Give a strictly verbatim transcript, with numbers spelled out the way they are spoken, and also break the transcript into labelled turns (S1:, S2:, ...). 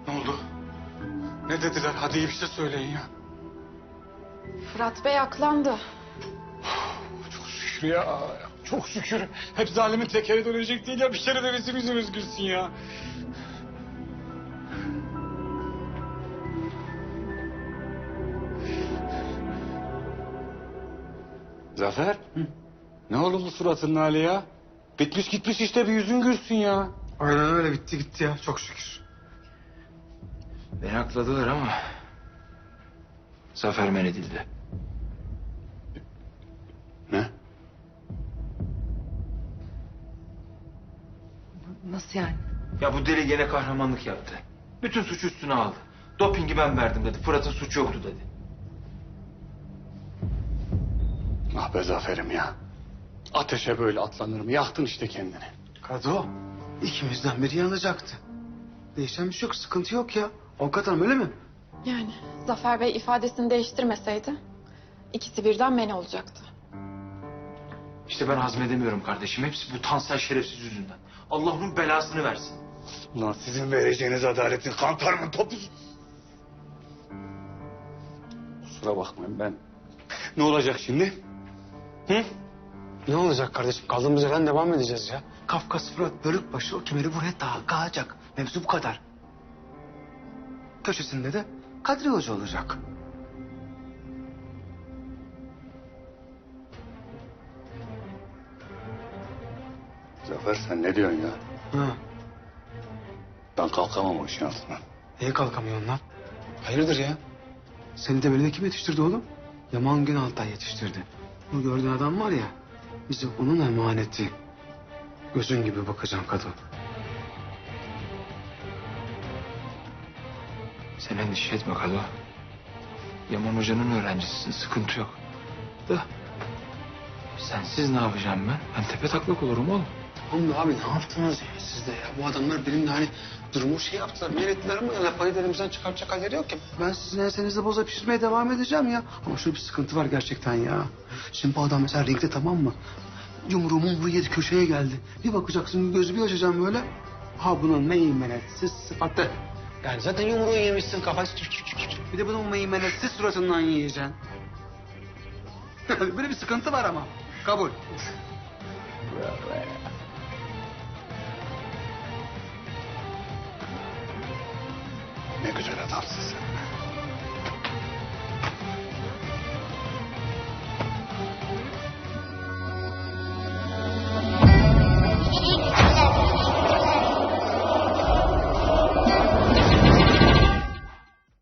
S1: Ne oldu? Ne dediler? Hadi iyi bir şey söyleyin ya.
S2: Fırat Bey aklandı.
S1: Çok şükür ya. Çok şükür. Hep zalimin tekeri dönecek değil ya. Bir kere de bizim yüzümüz gülsün ya. Zafer. Hı? Ne oldu bu suratının hali ya? Bitmiş gitmiş işte, bir yüzün gülsün ya.
S3: Aynen öyle, bitti gitti ya, çok şükür.
S4: Beni akladılar ama Zafer men edildi.
S1: Ne?
S2: Nasıl yani?
S4: Ya bu deli gene kahramanlık yaptı. Bütün suçu üstüne aldı. Dopingi ben verdim dedi. Fırat'ın suçu yoktu dedi.
S1: Ah be Zafer'im ya. Ateşe böyle atlanır mı? Yaktın işte kendini.
S3: Kado, ikimizden biri yanacaktı. Değişen bir şey yok, sıkıntı yok ya. Avukat hanım, öyle mi?
S2: Yani Zafer Bey ifadesini değiştirmeseydi ikisi birden men olacaktı.
S4: İşte ben hazmedemiyorum kardeşim. Hepsi bu Tansel şerefsiz yüzünden. Allah onun belasını versin.
S1: Ulan sizin vereceğiniz adaletin kantarımın topuzu. Kusura bakmayın ben. Ne olacak şimdi? Hı?
S3: Ne olacak kardeşim? Kaldığımız yerden devam edeceğiz ya. Kafkas Fırat Bölükbaşı o kemeri buraya takacak. Mevzu bu kadar. Köşesinde de Kadri Hoca olacak.
S1: Zafer sen ne diyorsun ya?
S3: Ha,
S1: Ben kalkamam o işin altından.
S3: niye kalkamıyorsun lan? Hayırdır ya? Seni de böyle kim yetiştirdi oğlum? Yaman Günaltay yetiştirdi. Bu gördüğün adam var ya, bize onun emaneti. Gözün gibi bakacağım Kado.
S4: Sen endişe etme Kado. Yaman Hoca'nın öğrencisisin. Sıkıntı yok. Da sensiz ne yapacağım ben? Ben tepe taklak olurum oğlum.
S3: Oğlum abi ne yaptınız ya siz de ya? Bu adamlar benimle hani durumu şey yaptılar, meylettiler ama ya payı elimizden çıkartacak halleri yok ki. Ben sizin ensenizde boza pişirmeye devam edeceğim ya. Ama şöyle bir sıkıntı var gerçekten ya. Şimdi bu adam mesela ringde, tamam mı? Yumruğu mumruğu yedi, köşeye geldi. Bir bakacaksın, gözü bir açacağım böyle. Ha bunun meymenetsiz sıfatı. Yani zaten yumruğu yemişsin, kafası. Bir de bunun meymenetsiz suratından yiyeceksin. Böyle bir sıkıntı var ama. Kabul.
S1: Ne güzel adamsın sen.